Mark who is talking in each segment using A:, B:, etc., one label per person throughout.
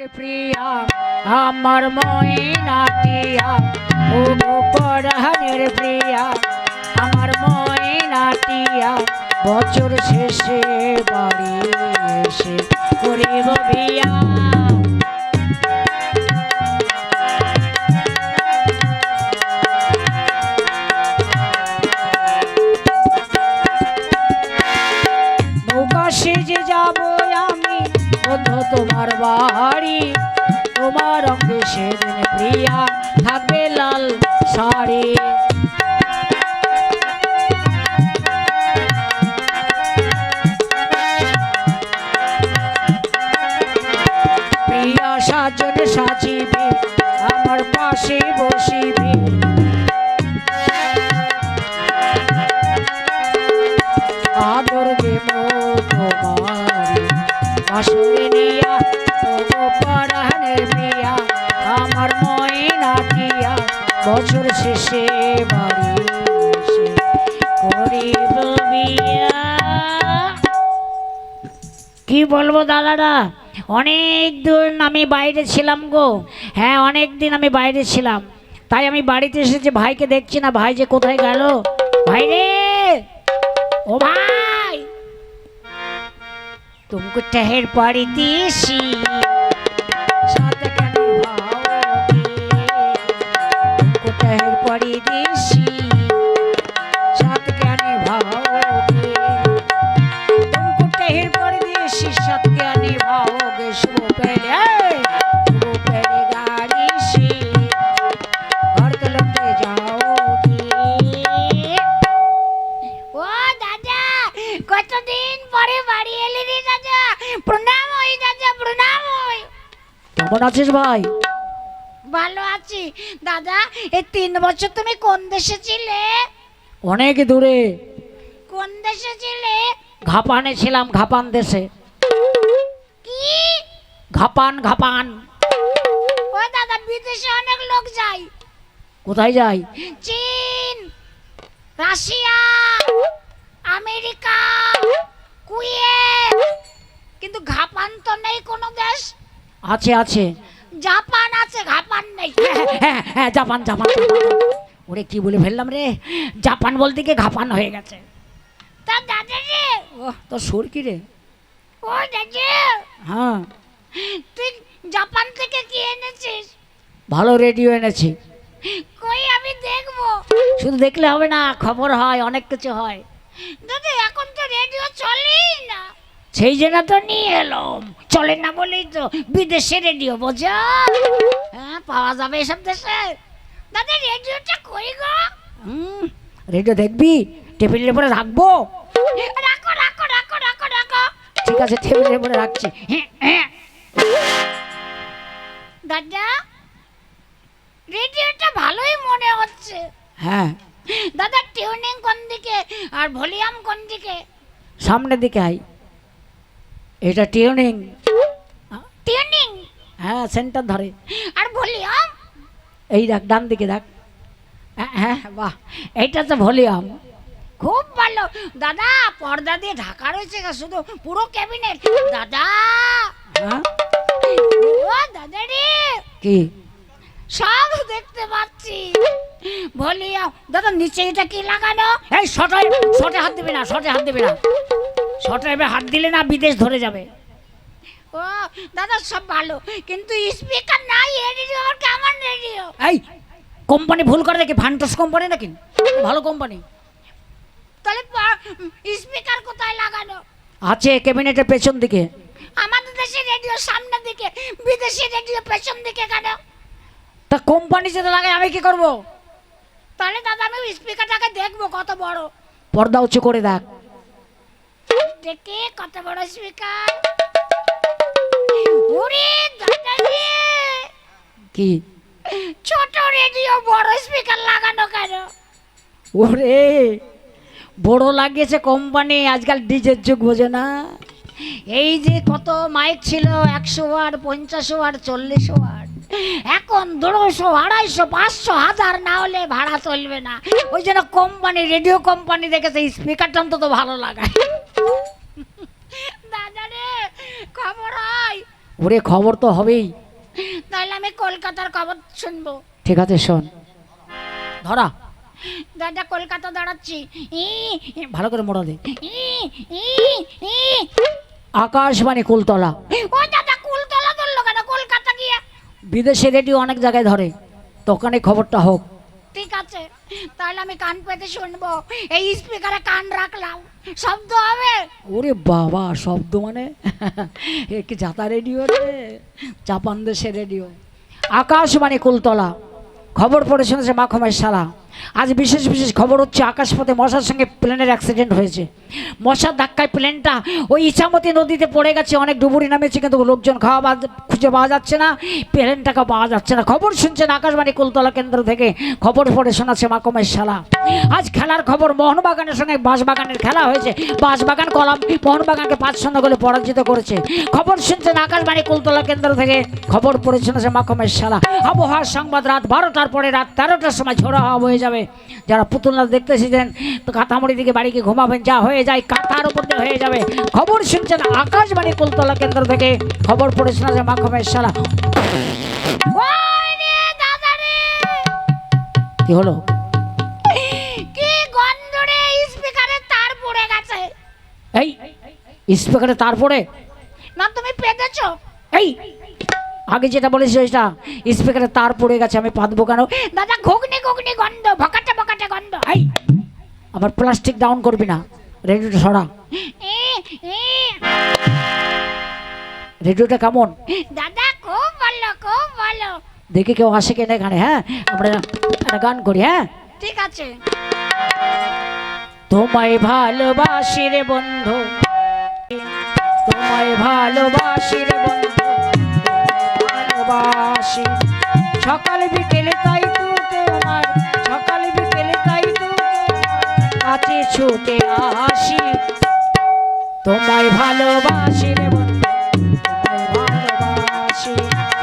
A: প্রিয়া আমার ময়নাটিয়া ও পরাণের প্রিয়া আমার ময়নাটিয়া বছর শেষে বাড়ি এসে করিব বিয়া। নৌকা সেজে যাব আমি বন্ধু তোমার বাড়ি, তোমার অঙ্গে সেদিন প্রিয়া থাকবে লাল শাড়ি। প্রিয়া সাজন সাজিবে আমার পাশে বসিবে, আদর দেব তোমার বাসরে নিয়া পরাণের প্রিয়া আমার ময়নাটিয়া বছর শেষে বাড়ি এসে করিব বিয়া। কি বলবো দাদারা, অনেক দিন আমি বাইরে ছিলাম গো। হ্যাঁ, অনেক দিন আমি বাইরে ছিলাম, তাই আমি বাড়িতে এসেছি, ভাইকে দেখছি না, ভাই যে কোথায় গেল। ভাই রে, ও ভাই, तुमको ठहर पड़ी देसी साथ कहने भाओगे, तुमको ठहर पड़ी देसी साथ कहने भाओगे, तुमको ठहर पड़ी देसी साथ कहने भाओगे। सुबह पहले गाड़ी से घर तलक ले जाओगे। ओ दादा, কতদিন পরে বাড়ি এলি রে দাদা, প্রণাম হই দাদা, প্রণাম হই। কেমন আছিস ভাই? ভালো আছি দাদা। এই 3 বছর তুমি কোন দেশে ছিলে? অনেক দূরে। কোন দেশে ছিলে? ঘাপানে ছিলাম, ঘাপান দেশে। কি ঘাপান? ঘাপান। ও দাদা, বিদেশে অনেক লোক যায়। কোথায় যায়? চীন, রাশিয়া, আমেরিকা, কুয়েত, কিন্তু ঘাপান তো নেই কোনো দেশ। আছে আছে, জাপান আছে, ঘাপান নেই। হ্যাঁ, জাপান জাপান। ওরে কি বলে ফেললাম রে, জাপান বলতে গিয়ে ঘাপান হয়ে গেছে। তা দাদা রে, ও তোর সুর কি রে? ও দাদা, হ্যাঁ, তুই জাপান থেকে কি এনেছিস? ভালো রেডিও এনেছি। কই আমি দেখবো? শুধু দেখলে হবে না, খবর হয়, অনেক কিছু হয়। দাদা এখন তো রেডিও চলেই না। সেই জন্য তো নিয়ে এলাম, চলে না বলেই তো বিদেশে রেডিও বোঝা। হ্যাঁ, পাওয়া যাবে এসব দেশে। দাদা রেডিওটা কই গো? রেডিও দেখবি? টেবিলের উপরে রাখবো। রাখো রাখো রাখো রাখো রাখো। ঠিক আছে, টেবিলের উপরে রাখছি। দাদা রেডিওটা ভালোই মনে হচ্ছে। হ্যাঁ দাদা, টিউনিং কোন দিকে আর ভলিউম কোন দিকে? সামনের দিকে আই, এটা টিউনিং। টিউনিং? হ্যাঁ, সেন্টার ধরে। আর ভলিউম? এই দেখ, ডান দিকে দেখ। হ্যাঁ বাহ, এইটা তো ভলিউম। খুব ভালো দাদা, পর্দা দিয়ে ঢাকা রয়েছে শুধু, পুরো ক্যাবিনেট। দাদা, ও দাদা রে, কি সব দেখতে পাচ্ছি। ভলিউম দাদা, নিচে এটা কি লাগানো? এই শর্টে হাত দিবি না, শর্টে হাত দিবি না, শর্টে হাত দিলে না বিদেশ ধরে যাবে। ও দাদা, সব ভালো, কিন্তু স্পিকার নাই। রেডিও আর কেমন রেডিও? এই কোম্পানি ভুল করে দেখি, ফান্টাস কোম্পানি নাকি? ভালো কোম্পানি। তাহলে স্পিকার কোথায় লাগানো? আছে ক্যাবিনেটের পেছন দিকে। আমাদের দেশে রেডিও সামনের দিকে, বিদেশি রেডিও পেছন দিকে কেন? তা কোম্পানি যেটা লাগে, আমি কি করব? তাহলে দাদা আমি স্পিকারটাকে দেখবো কত বড়। পর্দা উঁচু করে দেখ, দেখে কত বড় স্পিকার। ওরে দাদা রে, কি ছোট রেডিও বড় স্পিকার লাগানো কেন? ওরে বড় লাগিয়েছে কোম্পানি, আজকাল ডিজের যুগ, বোঝে না। এই যে কত মাইক ছিল, 100 ওয়াট, 50 ওয়াট, 40 ওয়াট, এখন 200, 250, 500, 1000 না হলে ভাড়া চলবে না। ওই জন্য কোম্পানি, রেডিও কোম্পানি দেখেছে স্পিকারটা অন্তত ভালো লাগায়। দাদা রে, খবর হয়
B: ওরে খবর তো হবেই।
A: তাহলে আমি কলকাতার খবর শুনবো।
B: ঠিক আছে শোন, ধরা
A: দাদা কলকাতা দাঁড়াচ্ছি।
B: ভালো করে মোড়া দে।
A: ই, ই, ই।
B: আকাশবাণী কুলতলা।
A: ও দাদা কুলতলা ধরলো কেন? কলকাতা গিয়া।
B: বিদেশে রেডিও অনেক জায়গায় ধরে, দোকানে খবরটা হোক।
A: ঠিক আছে, তাহলে আমি কান পেতে শুনবো। এই স্পিকারে কান রাখলাম, শব্দ হবে।
B: ওরে বাবা, শব্দ মানে কি যাতা রেডিও রে, জাপান দেশের রেডিও। আকাশবাণী কুলতলা। খবর পড়ে শুনেছে মাখমের শালা। আজ বিশেষ বিশেষ খবর হচ্ছে, আকাশপথে মশার সঙ্গে প্লেনের অ্যাক্সিডেন্ট হয়েছে। মশার ধাক্কায় প্লেনটা ওই ইছামতি নদীতে পড়ে গেছে। অনেক ডুবুরি নামেছে, কিন্তু লোকজন খুঁজে পাওয়া যাচ্ছে না, প্লেনটাকে পাওয়া যাচ্ছে না। খবর শুনছেন আকাশবাণী কুলতলা কেন্দ্র থেকে। খবর পড়ে শোনাচ্ছে মাখমের শালা। আজ খেলার খবর, মোহনবাগানের সঙ্গে বাঁশবাগানের খেলা হয়েছে। বাঁশবাগান কলাম মোহনবাগানকে 5-0 গোলে পরাজিত করেছে। খবর শুনছেন আকাশবাণী কুলতলা কেন্দ্র থেকে। খবর পড়ে শোনাচ্ছে মাখমের শালা। আবহাওয়ার সংবাদ, রাত 12টার পরে রাত 13টার সময় ঝোড়ো হাওয়া বয়ে যাবে। যারা পুতুল নাচ দেখতে এসেছেন তো কাঁথামুড়ি দিকে বাড়ি গিয়ে ঘুমাবেন, যা হয়ে যায় কাঁথার উপর দিয়ে হয়ে যাবে। খবর শুনছেন আকাশবাণী কুলতলা কেন্দ্র থেকে। খবর পড়ে শোনাচ্ছে মাখমের শালা।
A: ওই রে দাদা রে,
B: কি হলো?
A: কি গন্ধ রে, স্পিকারে তার পড়ে গেছে।
B: এই স্পিকারে তার পড়ে
A: না তুমি পেতেছো?
B: এই আগে যেটা বলেছি ওইটা, স্পিকারে তার পড়ে গেছে, আমি পাতবো কেন?
A: দাদা ঘুগনি ঘুগনি গন্ধ, ভকাটে ভকাটে গন্ধ।
B: এই আবার প্লাস্টিক ডাউন করবি না, রেডিওটা সরা।
A: ই, ই।
B: রেডিওটা কেমন
A: দাদা খুব ভালো, খুব ভালো।
B: দেখি কেউ আসে কিনা এখানে। হ্যাঁ, আমরা একটা গান করি। হ্যাঁ,
A: ঠিক আছে।
B: তোমায় ভালোবাসি রে বন্ধু, তোমায় ভালোবাসি রে বন্ধু, ভালোবাসি। সকাল বিকেলে তাই তোকে আমার, সকাল বিকেলে তাই তোকে কাছে ছুটে আসি। তোমায় ভালোবাসি রে বন্ধু, তোমায় ভালোবাসি।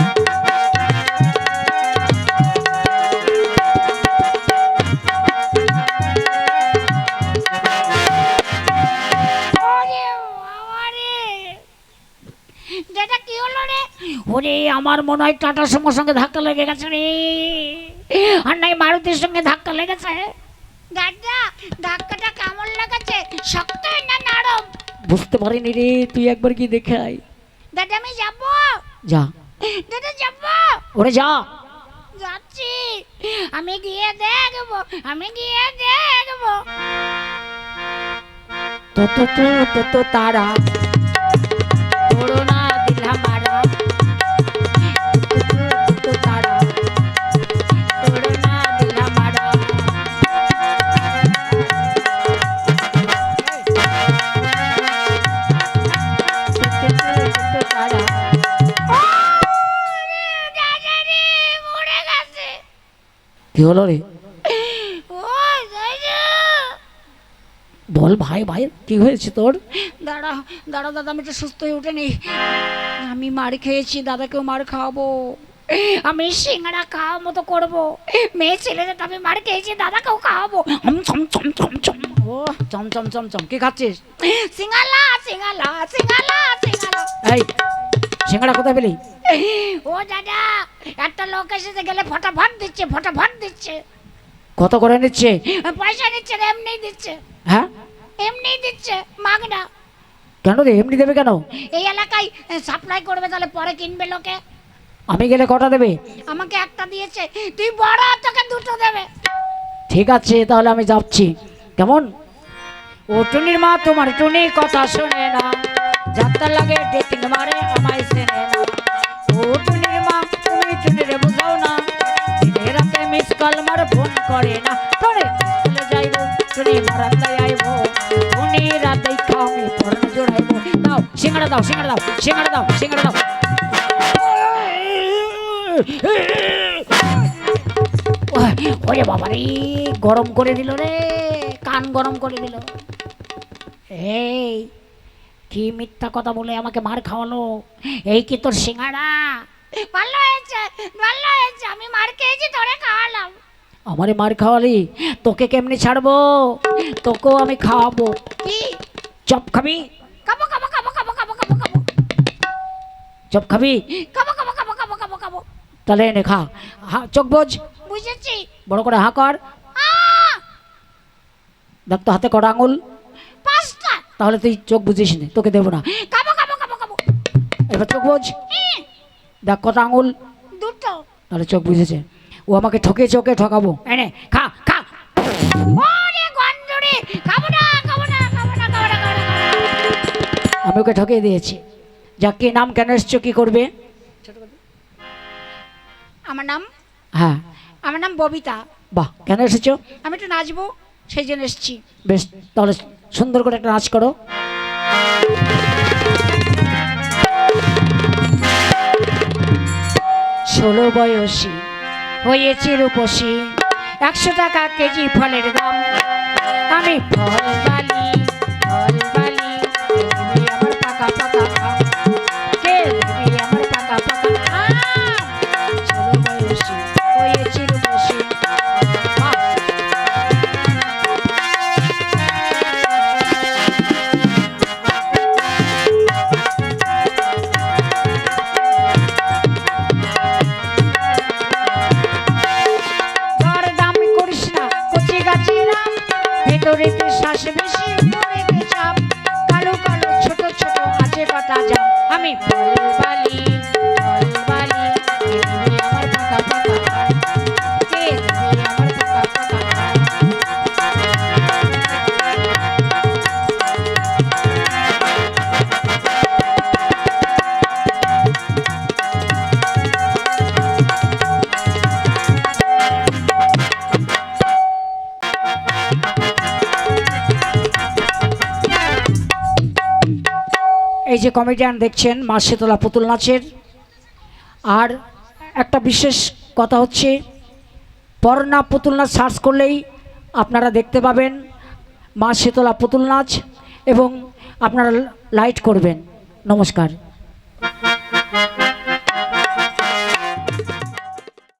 A: ওরে বাবা রে, দাদা কি হলো রে?
B: ওরে আমার মনে হয় টাটার সঙ্গে ধাক্কা লেগে গেছে রে, আর নাই মারুতির সঙ্গে ধাক্কা লেগেছে।
A: দাদা ধাক্কাটা কেমন লাগাচ্ছে, শক্ত না নরম?
B: বুঝতে পারিনি রে, তুই একবার কি দেখে আয়।
A: দাদা আমি যাব,
B: যা,
A: দাদা যাব।
B: ওরে যা।
A: যাচ্ছি, আমি গিয়ে দেখবো, আমি গিয়ে দেখবো।
B: তো তো তো তো তো তারা করোনা দিলা মারা, তো তারা করোনা দিলা মারা। তো তারা
A: দাদা রে মরে গেছে।
B: কি হলো রে?
A: ও দাদা,
B: বল ভাই, ভাই কি হয়েছে তোর?
A: দাঁড়া দাঁড়া দাদা, আমি তো সুস্থ হয়ে উঠেনি। আমি মার খেয়েছি, দাদাকেও মার খাওয়াবো। আমি সিঙ্গারা খাওয়া মতো করবো। মেয়ে ছেলেদের তো আমি মার খেয়েছি, দাদাকেও খাওয়াবো। চম চম চম চম।
B: ও চম চম চম চম, কি খাচ্ছিস?
A: সিঙ্গালা সিঙ্গালা সিঙ্গালা সিঙ্গালা।
B: এই সিঙ্গাড়া কোথায় পেলি?
A: ও দাদা, একটা লোক এসেছে, গেলে ফটাফট দিচ্ছে, ফটাফট দিচ্ছে।
B: কত করে নিচ্ছে?
A: পয়সা নিচ্ছে না, এমনি দিচ্ছে।
B: হ্যাঁ,
A: এমনি দিচ্ছে, মাগনা।
B: কেন রে, এমনি দেবে কেন?
A: এই এলাকায় সাপ্লাই করবে, তাহলে পরে কিনবে লোকে।
B: আমি গেলে কটা দেবে?
A: আমাকে একটা দিয়েছে, তুই বড়, তোকে দুটো দেবে।
B: ঠিক আছে, তাহলে আমি যাচ্ছি। কেমন? ও টুনির মা তোমার টুনি কথা শোনে না, যাত্রা লাগে ডেটিং মারে আমায় চেনে না। ও টুনির মা তুমি টুনিরে বুঝাও না, দিনে রাতে মিস কল মার ফোন করে না। টুনি চলে যাইবো, টুনি মারান্দায় আইবো, টুনি রাতেই খাওয়ামি পরনে জোড়াইবো। দাও সিঙ্গাড়া, দাও সিঙ্গাড়া, দাও সিঙ্গাড়া, দাও সিঙ্গাড়া, দাও। ওরে বাবা রে, গরম করে দিল রে, কান গরম করে দিল। এই কি মিথ্যা কথা বলে আমাকে মার খাওয়ালো? এই কি তোর সিঙ্গাড়া?
A: ভালো হয়েছে, ভালো হয়েছে, আমি মার খেয়েছি, তোরে খাওয়ালাম।
B: আমারে মার খাওয়ালি, তোকে কেমনি ছাড়বো? তোকেও আমি খাওয়াবো।
A: কি
B: চপ খাবি?
A: খাবো খাবো খাবো খাবো খাবো খাবো খাবো।
B: চপ খাবি?
A: খাবো খাবো খাবো খাবো খাবো খাবো।
B: তাহলে এনে খা। চোখ বোঝ,
A: বুঝেছি।
B: বড় করে হা কর। দেখ তো হাতে কটা আঙুল?
A: 5টা।
B: তাহলে তুই চোখ বুঝিস নে, তোকে দেবো না।
A: খাবো খাবো খাবো খাবো।
B: এবার চোখ বোঝ, দেখ কটা আঙুল?
A: 2টো।
B: তাহলে চোখ বুঝেছে। ও আমাকে ঠকিয়েছে, ওকে ঠকাবো। এনে খা খা।
A: ওরে গন্ধরে, খাবো না খাবো না খাবো না খাবো না খাবো না, খাবো না।
B: আমি ওকে ঠকিয়ে দিয়েছি। যাক, কি নাম, কেন এসছো, কি করবে?
A: আমার নাম
B: হ্যাঁ।
A: আমার নাম ববিতা।
B: বাহ, কেন এসেছো?
A: আমি একটু নাচবো, সেই জন্য এসেছি।
B: বেশ, তাহলে সুন্দর করে একটা নাচ করো। ষোলো বয়সী হয়েছে রূপসী, 100 টাকা কেজি ফলের দাম। আমি ফল বালি আমার পাকা পাকা আম। কে দিবি আমার পাকা পাকা আম? 16 বয়সী হয়েছে রূপসী। বাহ। দরদাম করিস না কচি গাছের আম, ভেতরেতে শ্বাস বেশি মনেতে চাপ। কালো কালো ছোট ছোট আছে কটা জাম। আমি ফল বালি কে দিবি আমার পাকা পাকা আম? কে দিবি আমার পাকা পাকা আম? এই যে কমেডিয়ান দেখছেন, মা শীতলা পুতুল নাচের। আর একটা বিশেষ কথা হচ্ছে, পর্ণা পুতুল নাচ সার্চ করলেই আপনারা দেখতে পাবেন মা শীতলা পুতুল নাচ, এবং আপনারা লাইট করবেন। নমস্কার।